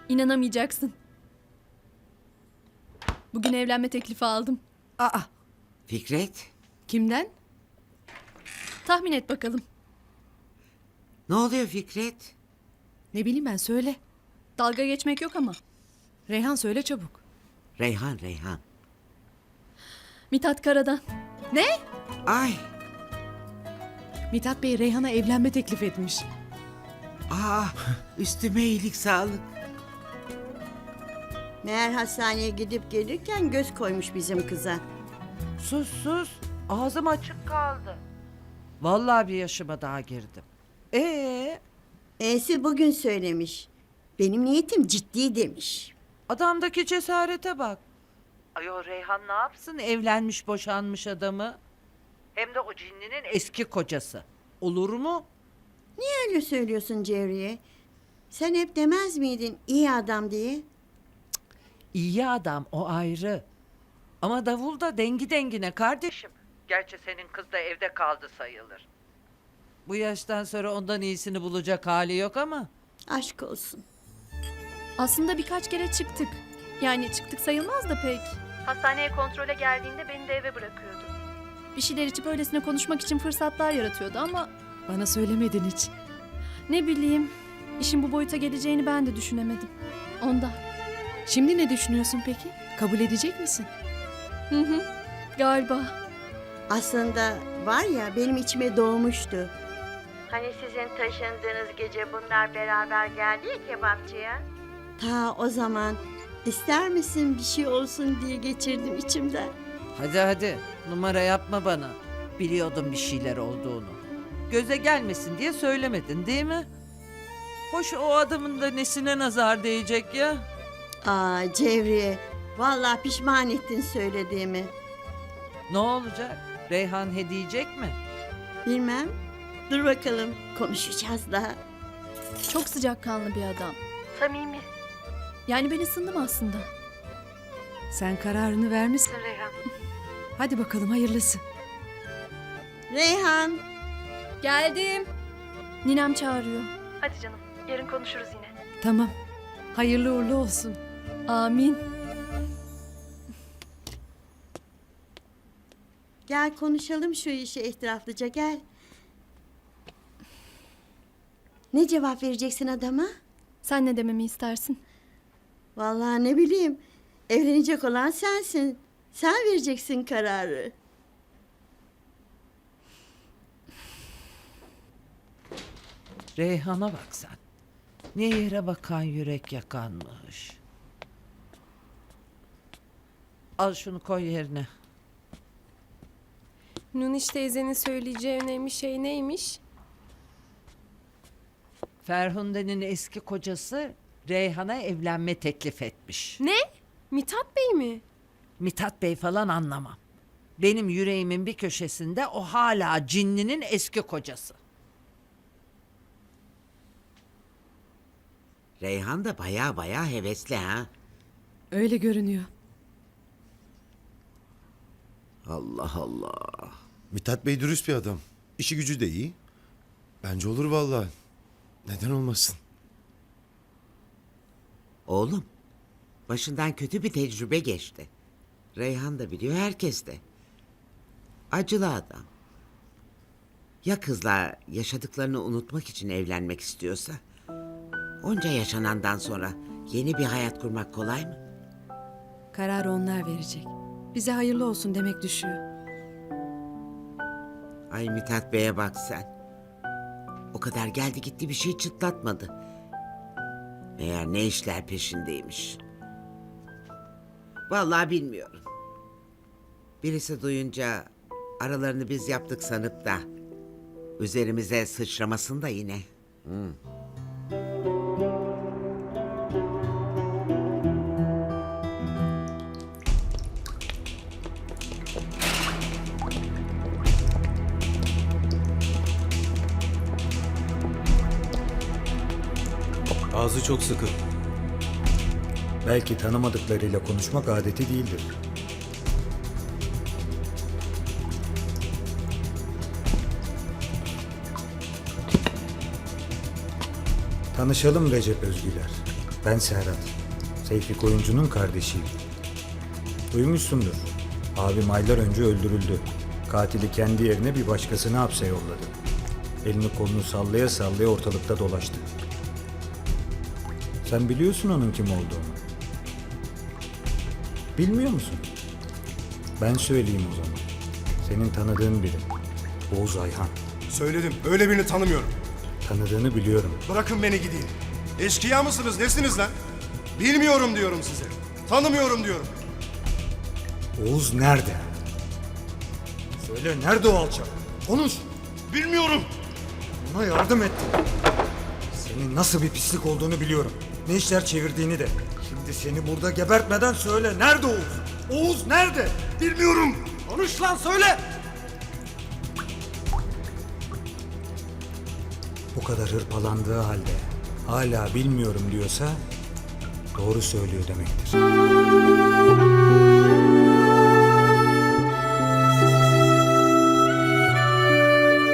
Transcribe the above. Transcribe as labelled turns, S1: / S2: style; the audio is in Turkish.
S1: İnanamayacaksın. Bugün evlenme teklifi aldım.
S2: Aa,
S3: Fikret,
S2: kimden?
S1: Tahmin et bakalım.
S3: ne oluyor Fikret?
S2: Ne bileyim ben, söyle.
S1: Dalga geçmek yok ama.
S2: Reyhan, söyle çabuk.
S3: Reyhan.
S1: Mithat Karadan.
S2: Ne?
S3: Ay,
S2: Mithat Bey Reyhan'a evlenme teklif etmiş.
S3: üstüme iyilik sağlık.
S4: Meğer hastaneye gidip gelirken göz koymuş bizim kıza.
S5: Sus. Ağzım açık kaldı. Vallahi bir yaşıma daha girdim.
S4: E'si bugün söylemiş. Benim niyetim ciddi demiş.
S5: Adamdaki cesarete bak. Ayol Reyhan ne yapsın evlenmiş boşanmış adamı? Hem de o cinlinin eski kocası. Olur mu?
S4: Niye öyle söylüyorsun Cevriye? Sen hep demez miydin iyi adam diye?
S5: İyi adam o ayrı. Ama davul da dengi dengine kardeşim. Gerçi senin kız da evde kaldı sayılır. Bu yaştan sonra ondan iyisini bulacak hali yok ama.
S4: Aşk olsun.
S1: Aslında birkaç kere çıktık. Yani çıktık sayılmaz da pek. Hastaneye kontrole geldiğinde beni de eve bırakıyordu. Bir şeyler içip öylesine konuşmak için fırsatlar yaratıyordu ama
S2: Bana söylemedin hiç.
S1: ne bileyim, işin bu boyuta geleceğini ben de düşünemedim. Ondan.
S2: Şimdi ne düşünüyorsun peki? Kabul edecek misin?
S1: Galiba.
S4: Aslında var ya benim içime doğmuştu. Hani sizin taşındığınız gece bunlar beraber geldi ya kebapçıya. Ta o zaman ister misin bir şey olsun diye geçirdim içimden.
S5: Hadi numara yapma bana. Biliyordum bir şeyler olduğunu. Göze gelmesin diye söylemedin değil mi? Hoş o adamın da nesine nazar değecek ya?
S4: Aa Cevriye, vallahi pişman ettin söylediğimi.
S5: Ne olacak? Reyhan hediyecek mi?
S4: Bilmem. Dur bakalım, konuşacağız daha.
S1: Çok sıcakkanlı bir adam. Samimi. Yani ben ısındım aslında.
S2: Sen kararını vermişsin.
S1: Reyhan.
S2: Hadi bakalım, hayırlısı.
S4: Reyhan,
S1: Geldim. Ninem çağırıyor. Hadi canım, yarın konuşuruz yine.
S2: Tamam. Hayırlı uğurlu olsun.
S1: Amin.
S4: gel konuşalım şu işi etraflıca gel. Ne cevap vereceksin adama?
S1: Sen ne dememi istersin?
S4: Vallahi ne bileyim. Evlenecek olan sensin. Sen vereceksin kararı.
S5: Reyhan'a bak sen. Ne yere bakan yürek yakanmış. Al şunu koy yerine.
S6: Nuniş teyzenin söyleyeceği önemli şey neymiş?
S5: Ferhunde'nin eski kocası Reyhan'a evlenme teklif etmiş.
S6: Ne? Mithat Bey mi?
S5: Mithat Bey falan anlamam. Benim yüreğimin bir köşesinde o hala cinlinin eski kocası.
S3: Reyhan da baya hevesli ha.
S2: Öyle görünüyor.
S3: Allah Allah.
S7: Mithat Bey dürüst bir adam. İşi gücü de iyi. Bence olur vallahi. Neden olmasın?
S3: Oğlum, başından kötü bir tecrübe geçti. Reyhan da biliyor, herkes de. Acılı adam. Ya kızla yaşadıklarını unutmak için evlenmek istiyorsa? Onca yaşanandan sonra yeni bir hayat kurmak kolay mı?
S2: Kararı onlar verecek. Bize hayırlı olsun demek düşüyor.
S3: Ay Mithat Bey'e bak sen. O kadar geldi gitti bir şey çıtlatmadı. Meğer ne işler peşindeymiş. Vallahi bilmiyorum. Birisi duyunca aralarını biz yaptık sanıp da üzerimize sıçramasın da yine.
S8: Ağzı çok sıkı. Belki tanımadıklarıyla konuşmak adeti değildir. Tanışalım Recep Özgüler. Ben Serhat. Seyfi Koyuncu'nun kardeşiyim. Duymuşsundur. Abim aylar önce öldürüldü. Katili kendi yerine bir başkasını hapse yolladı. Elini kolunu sallaya sallaya ortalıkta dolaştı. Sen biliyorsun onun kim olduğunu. Bilmiyor musun? Ben söyleyeyim o zaman. Senin tanıdığın biri. Oğuz Ayhan.
S9: Söyledim. Öyle birini tanımıyorum.
S8: Tanıdığını biliyorum.
S9: Bırakın beni gideyim. Eşkıya mısınız? Nesiniz lan? Bilmiyorum diyorum size. Tanımıyorum diyorum.
S8: Oğuz nerede? Söyle nerede o alçak? Konuş.
S9: Bilmiyorum.
S8: Ona yardım ettin. Senin nasıl bir pislik olduğunu biliyorum. Ne işler çevirdiğini de. Şimdi seni burada gebertmeden söyle. Nerede Oğuz? Oğuz nerede?
S9: Bilmiyorum.
S8: Konuş lan söyle. Bu kadar hırpalandığı halde hala bilmiyorum diyorsa doğru söylüyor demektir.